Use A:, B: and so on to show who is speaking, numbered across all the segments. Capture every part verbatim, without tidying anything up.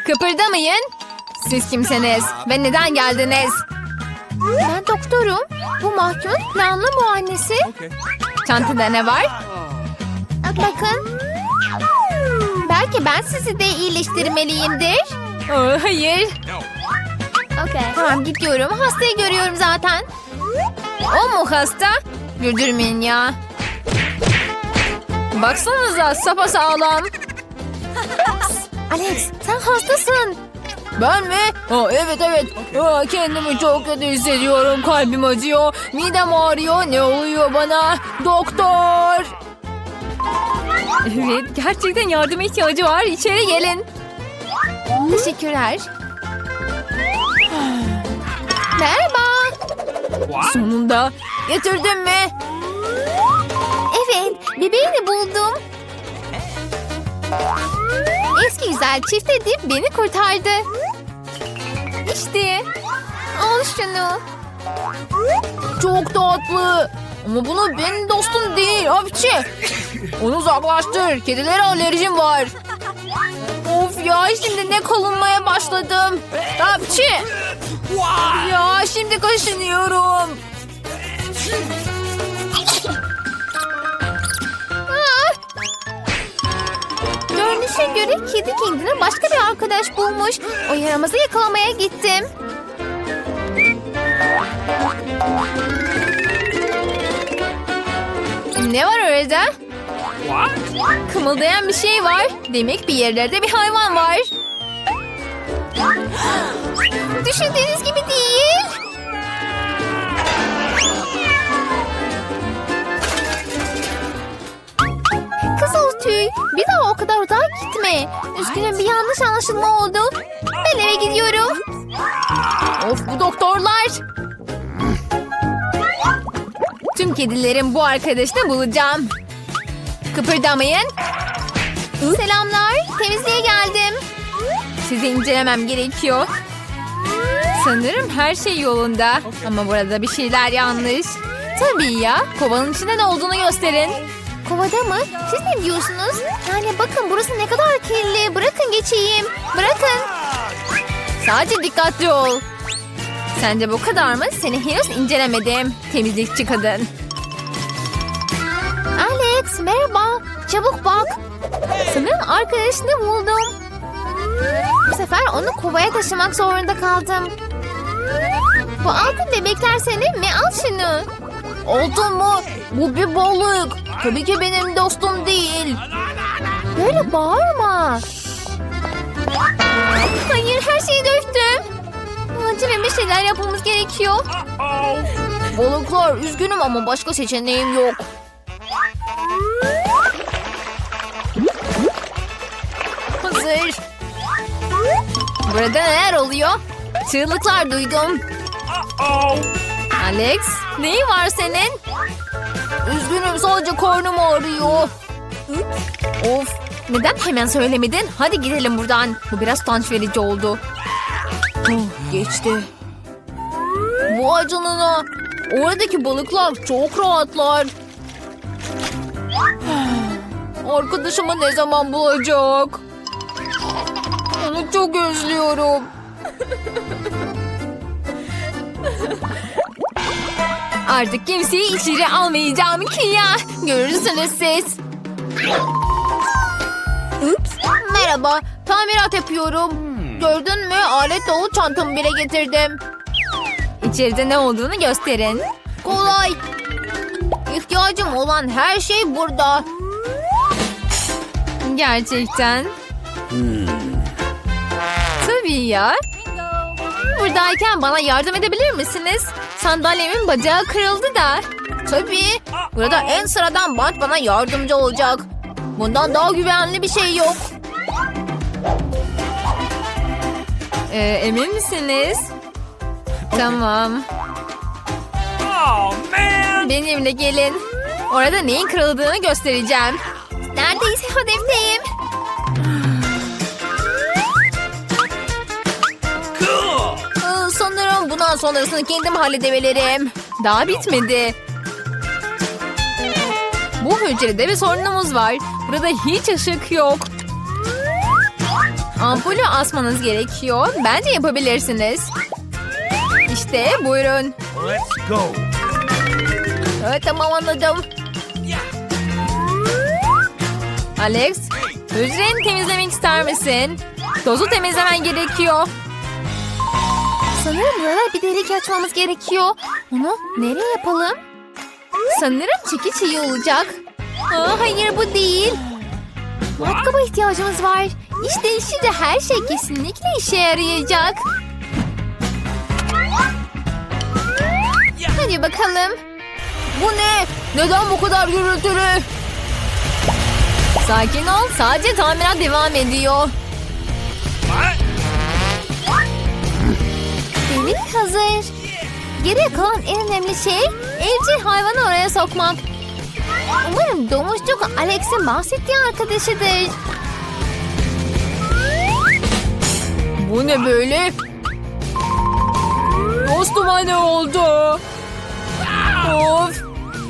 A: Kıpırdamayın. Siz kimsiniz ve neden geldiniz? Ben doktorum. Bu mahkumun planlı muayenesi. Çantada ne var? Bakın. Belki ben sizi de iyileştirmeliyimdir. Aa, hayır. Tamam gidiyorum. Hastayı görüyorum zaten. O mu hasta? Güldürmeyin ya. Baksanıza sapasağlam. Alex sen hastasın. Ben mi? Aa, evet evet. Aa, kendimi çok kötü hissediyorum. Kalbim acıyor. Midem ağrıyor. Ne oluyor bana? Doktor. Evet gerçekten yardıma ihtiyacı var. İçeri gelin. Teşekkürler. Merhaba. Sonunda. Getirdin mi? Evet. Bebeğini buldum. Eski güzel çift edip beni kurtardı. İşte. Al şunu. Çok tatlı. Ama bunu benim dostum değil hapçı. Onu uzaklaştır. Kedilere alerjim var. Of ya şimdi ne kalınmaya başladım. Hapçı. Ya şimdi kaşınıyorum. Görünüşe göre kedi kendine başka bir arkadaş bulmuş. O yaramazı yakalamaya gittim. Ne var orada? Kımıldayan bir şey var. Demek bir yerlerde bir hayvan var. Düşündüğünüz gibi değil. Kızıl tüy. Bir daha o kadar uzağa gitme. Üzgünüm bir yanlış anlaşılma oldu. Ben eve gidiyorum. Of bu doktorlar. Tüm kedilerin bu arkadaşını bulacağım. Kıpırdamayın. Selamlar. Temizliğe geldim. Sizi incelemem gerekiyor. Sanırım her şey yolunda. Ama burada bir şeyler yanlış. Tabii ya. Kovanın içinde ne olduğunu gösterin. Kovada mı? Siz ne diyorsunuz? Yani bakın burası ne kadar kirli. Bırakın geçeyim. Bırakın. Sadece dikkatli ol. Sence bu kadar mı? Seni henüz incelemedim. Temizlikçi kadın. Alex merhaba. Çabuk bak. Sanırım arkadaşını buldum. Bu sefer onu kovaya taşımak zorunda kaldım. Bu altın bebekler senin mi? Al şunu. Altın mı? Bu bir balık. Tabii ki benim dostum değil. Böyle bağırma. Hayır her şeyi döktüm. Acilen bir şeyler yapmamız gerekiyor. Balıklar üzgünüm ama başka seçeneğim yok. Hazır. Burada neler oluyor? Çığlıklar duydum. Alex, neyin var senin? Üzgünüm sadece karnım ağrıyor. Of, neden hemen söylemedin? Hadi gidelim buradan. Bu biraz utanç verici oldu. Oh, geçti. Vay canına. Oradaki balıklar çok rahatlar. Arkadaşımı ne zaman bulacak? Onu çok özlüyorum. Artık kimseyi içeri almayacağım ki ya. Görürsünüz siz. Ups. Merhaba. Tamirat yapıyorum. Gördün mü? Alet dolu çantamı bile getirdim. İçeride ne olduğunu gösterin. Kolay. İhtiyacım olan her şey burada. Gerçekten. Hmm. Tabii ya. Buradayken bana yardım edebilir misiniz? Sandalyemin bacağı kırıldı da. Tabii. Burada en sıradan bant bana yardımcı olacak. Bundan daha güvenli bir şey yok. Ee, emin misiniz? Tamam. Benimle gelin. Orada neyin kırıldığını göstereceğim. Neredeyse hedefteyim. Ee, sanırım bundan sonrasını kendim halledebilirim. Daha bitmedi. Bu hücrede bir sorunumuz var. Burada hiç ışık yok. Ampulü asmanız gerekiyor. Bence yapabilirsiniz. İşte buyurun.
B: Let's go.
A: Evet, tamam, anladım. Alex, hücreni temizlemek ister misin? Tozu temizlemen gerekiyor. Sanırım burada bir delik açmamız gerekiyor. Onu nereye yapalım? Sanırım çekiç iyi olacak. Aa, hayır, bu değil. Matkaba ihtiyacımız var. İşte şimdi her şey kesinlikle işe yarayacak. Hadi bakalım. Bu ne? Neden bu kadar gürültülü? Sakin ol. Sadece tamirat devam ediyor. Delik hazır. Geriye kalan en önemli şey evcil hayvanı oraya sokmak. Umarım domuzcuk Alex'in bahsettiği arkadaşıdır. Bu ne böyle? Dostuma ne oldu? Of.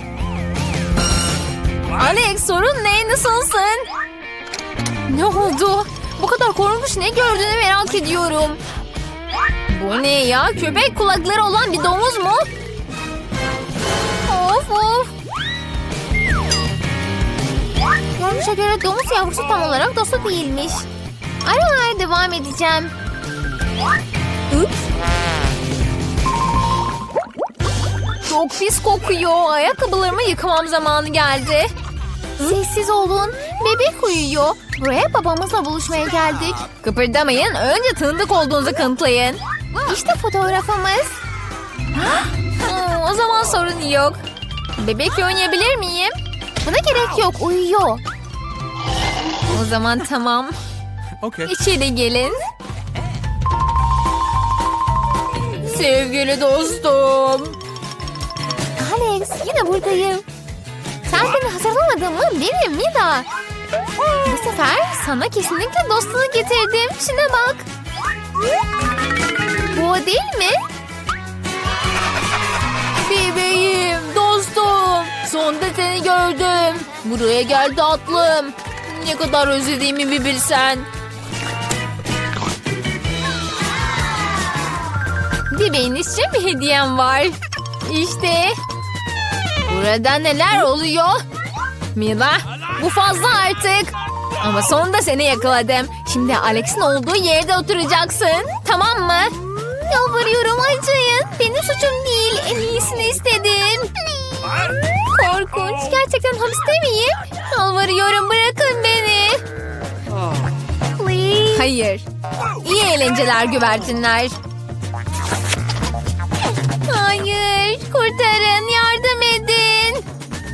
A: Alex, sorun ne? Nasılsın? Ne oldu? Bu kadar korkunç ne gördüğünü merak ediyorum. Bu ne ya? Köpek kulakları olan bir domuz mu? Of of. Görünüşe göre domuz yavrusu tam olarak dostu değilmiş. Ara ara devam edeceğim. Ups. Çok pis kokuyor. Ayakkabılarımı yıkamam zamanı geldi. Sessiz olun. Bebek uyuyor. Buraya babamızla buluşmaya geldik. Kıpırdamayın. Önce tanıdık olduğunuzu kanıtlayın. İşte fotoğrafımız. Hmm, o zaman sorun yok. Bebekle oynayabilir miyim? Buna gerek yok. Uyuyor. O zaman tamam.
B: Okay.
A: İçeri gelin. Sevgili dostum. Alex, yine buradayım. Sen beni hazırlamadın mı? Benim Mila. Bu sefer sana kesinlikle dostunu getirdim. Şuna bak. Bu o değil mi? Bebeğim, dostum. Sonunda seni gördüm. Buraya gel tatlım. Ne kadar özlediğimi bir bilsen. Bebeğiniz için bir hediyem var. İşte. Burada neler oluyor? Mila, bu fazla artık. Ama sonunda seni yakaladım. Şimdi Alex'in olduğu yerde oturacaksın. Tamam mı? Yalvarıyorum, acıyın. Benim suçum değil. En iyisini istedim. Korkunç. Gerçekten hapiste miyim? Yalvarıyorum, bırakın beni. Please. Hayır. İyi eğlenceler güvercinler. Hayır. Kurtarın. Yardım edin.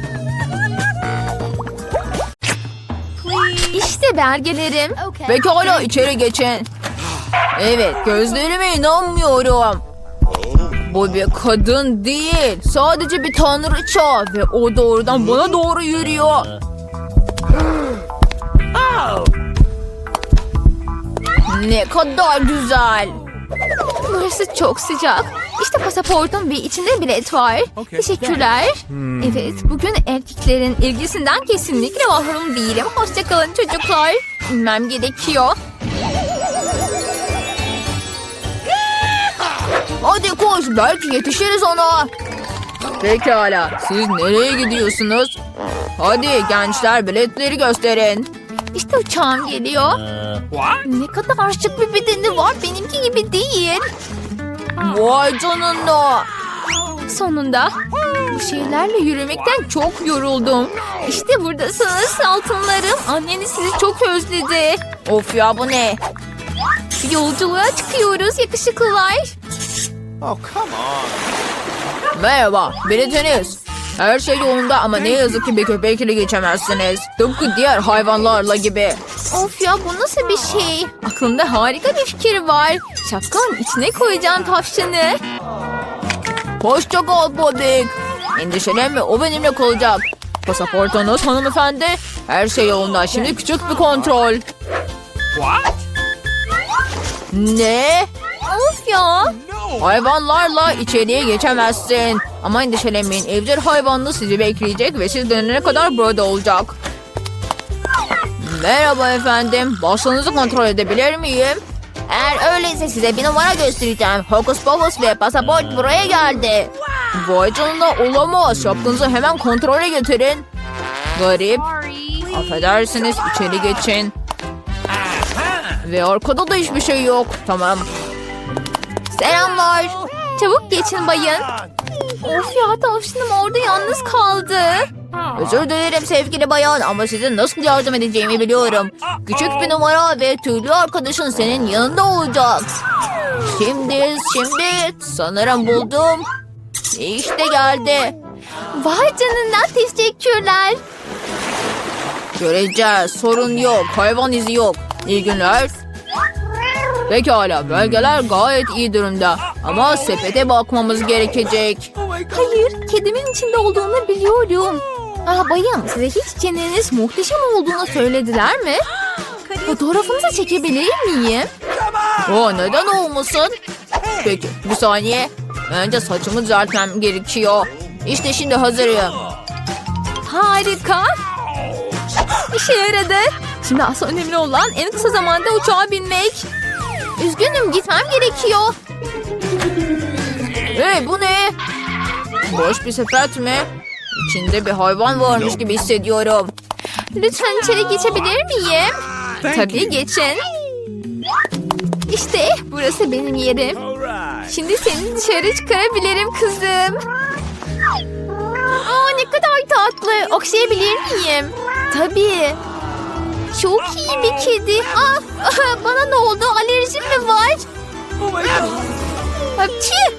A: İşte belgelerim. Pekala, içeri geçin. Evet, gözlerime inanmıyorum. Bu bir kadın değil. Sadece bir tanrıça. Ve o doğrudan bana doğru yürüyor. Ne kadar güzel. Burası çok sıcak. İşte pasaportum ve içinde bilet var.
B: Okay.
A: Teşekkürler. Evet, bugün erkeklerin ilgisinden kesinlikle mahrum değilim. Hoşça kalın çocuklar. İnmem gerekiyor. Hadi koş, belki yetişiriz ona. Pekala, siz nereye gidiyorsunuz? Hadi gençler, biletleri gösterin. İşte uçağım geliyor.
B: What?
A: Ne kadar şık bir bedeni var, benimki gibi değil. Vay canına. Sonunda. Bu şeylerle yürümekten çok yoruldum. İşte buradasınız altınlarım. Anneniz sizi çok özledi. Of ya, bu ne? Yolculuğa çıkıyoruz yakışıklılar.
B: Oh, come on.
A: Merhaba, biletiniz. Her şey yolunda ama ne yazık ki bir köpekle geçemezsiniz. Tıpkı diğer hayvanlarla gibi. Of ya, bu nasıl bir şey? Aklımda harika bir fikir var. Şapkanın içine koyacağım tavşanı. Hoşça kal Bobik. Endişelenme, o benimle kalacak. Pasaportunuz hanımefendi. Her şey yolunda. Şimdi küçük bir kontrol.
B: What?
A: Ne? Of ya.
B: No.
A: Hayvanlarla içeriye geçemezsin. Ama endişelenmeyin. Evcil hayvanlı sizi bekleyecek ve siz dönene kadar burada olacak. Merhaba efendim. Basınızı kontrol edebilir miyim? Eğer öyleyse size bir numara göstereceğim. Hokus pokus ve pasaport buraya geldi. Vay canına, olamaz. Şapkınızı hemen kontrole getirin. Garip. Affedersiniz, içeri geçin. Ve arkada da hiçbir şey yok. Tamam. Selamlar. Çabuk geçin bayın. Of ya, tavşanım orada yalnız kaldı. Özür dilerim sevgili bayan ama size nasıl yardım edeceğimi biliyorum. Küçük bir numara ve tüylü arkadaşın senin yanında olacak. Şimdi, şimdi sanırım buldum. İşte geldi. Vay canına, teşekkürler. Göreceğiz, sorun yok, hayvan izi yok. İyi günler. Pekala, belgeler gayet iyi durumda. Ama sepete bakmamız gerekecek. Hayır, kedimin içinde olduğunu biliyorum. Ah bayım, size hiç çeneniz muhteşem olduğunu söylediler mi? Fotoğrafınızı çekebilir miyim? O neden olmasın? Peki, bir saniye. Önce saçımı düzeltmem gerekiyor. İşte şimdi hazırım. Harika. İşe yaradı. Şimdi asıl önemli olan en kısa zamanda uçağa binmek. Üzgünüm, gitmem gerekiyor. Hey, bu ne? Boş bir sepet mi? İçinde bir hayvan varmış gibi hissediyorum. Lütfen içeri geçebilir miyim? Tabii, geçin. İşte burası benim yerim. Şimdi seni dışarı çıkarabilirim kızım. Aa, ne kadar tatlı. Okşayabilir miyim? Tabii. Çok iyi bir kedi. Ah, bana ne oldu? Alerjim mi var? Hapçı.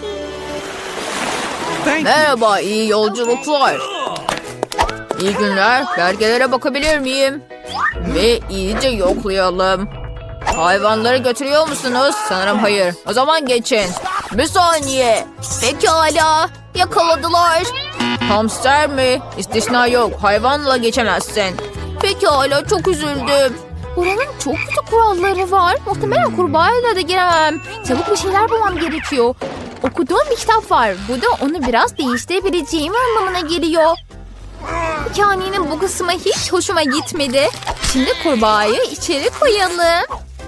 A: Merhaba, iyi yolculuklar. İyi günler. Belgelere bakabilir miyim? Ve iyice yoklayalım. Hayvanları götürüyor musunuz? Sanırım hayır. O zaman geçin. Bir saniye. Pekala. Yakaladılar. Hamster mi? İstisna yok. Hayvanla geçemezsin. Pekala, çok üzüldüm. Buranın çok kötü kuralları var. Muhtemelen kurbağayla da giremem. Çabuk bir şeyler bulmam gerekiyor. Okuduğum bir kitap var. Bu da onu biraz değiştirebileceğim anlamına geliyor. Hikayenin bu kısmı hiç hoşuma gitmedi. Şimdi kurbağayı içeri koyalım.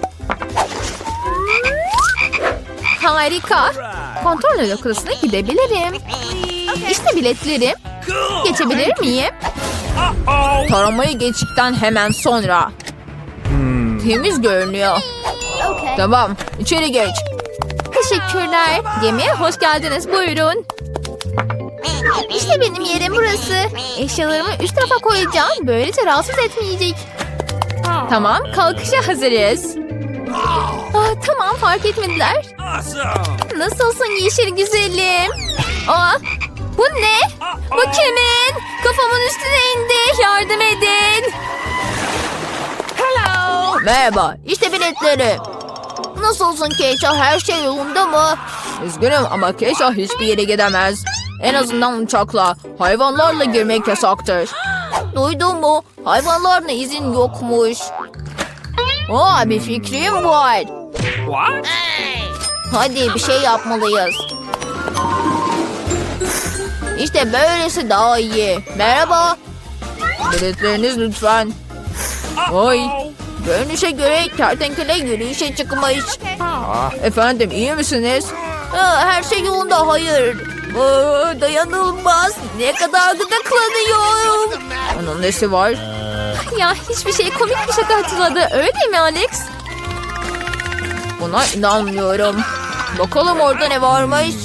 A: Harika. Kontrol noktasına gidebilirim. İşte biletlerim. Geçebilir miyim? Taramayı geçtikten hemen sonra. Temiz görünüyor. Tamam, içeri geç. Teşekkürler. Gemiye hoş geldiniz. Buyurun. İşte benim yerim burası. Eşyalarımı üst tarafa koyacağım. Böylece rahatsız etmeyecek. Tamam, kalkışa hazırız. Aa, tamam, fark etmediler. Nasılsın yeşil güzelim? Aa, bu ne? Bu kimin? Kafamın üstüne indi. Yardım edin. Hello. Merhaba, işte biletleri. Nasılsın Keşah? Her şey yolunda mı? Üzgünüm ama Keşah hiçbir yere gidemez. En azından uçakla. Hayvanlarla girmek yasaktır. Duydun mu? Hayvanlarla izin yokmuş. Aa, bir fikrim var.
B: What?
A: Hadi bir şey yapmalıyız. İşte böylesi daha iyi. Merhaba. Biletleriniz lütfen. Oy. Görünüşe göre kertenkele yürüyüşe çıkmış. Efendim, iyi misiniz? Aa, her şey yolunda, hayır. Aa, dayanılmaz. Ne kadar gıdıklanıyorum. Onun nesi var? Ya hiçbir şey, komik bir şaka hatırladı. Öyle değil mi Alex? Buna inanmıyorum. Bakalım orada ne varmış.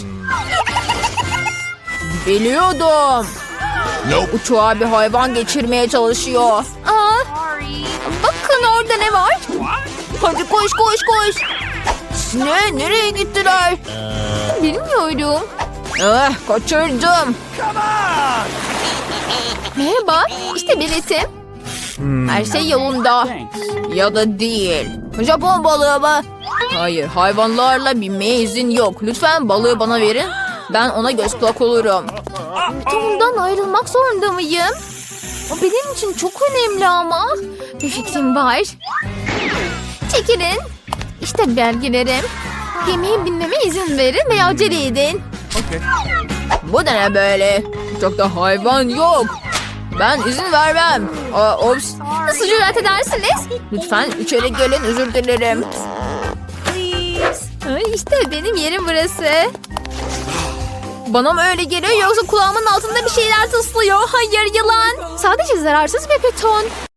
A: Biliyordum.
B: Nope.
A: Uçağa bir hayvan geçirmeye çalışıyor. Aa, bakın orada ne var? Hadi koş koş koş. Ne? Nereye gittiler? Bilmiyorum. Eh, kaçırdım. Merhaba, işte biletim. Her şey yolunda. Ya da değil. Japon balığı mı? Hayır, hayvanlarla binmeye izin yok. Lütfen balığı bana verin. Ben ona göz kulak olurum. Tom'dan ayrılmak zorunda mıyım? O benim için çok önemli ama. Bir fikrim var. Çekilin. İşte belgelerim. Gemiye binmeme izin verin veya acele edin.
B: Okay.
A: Bu da ne böyle? Uçakta hayvan yok. Ben izin vermem. Aa, ops. nasıl cüret edersiniz? Lütfen içeri gelin, özür dilerim. Ay, işte benim yerim burası. Bana mı öyle geliyor yoksa kulağımın altında bir şeyler tıslıyor? Hayır, yılan. Sadece zararsız bir beton.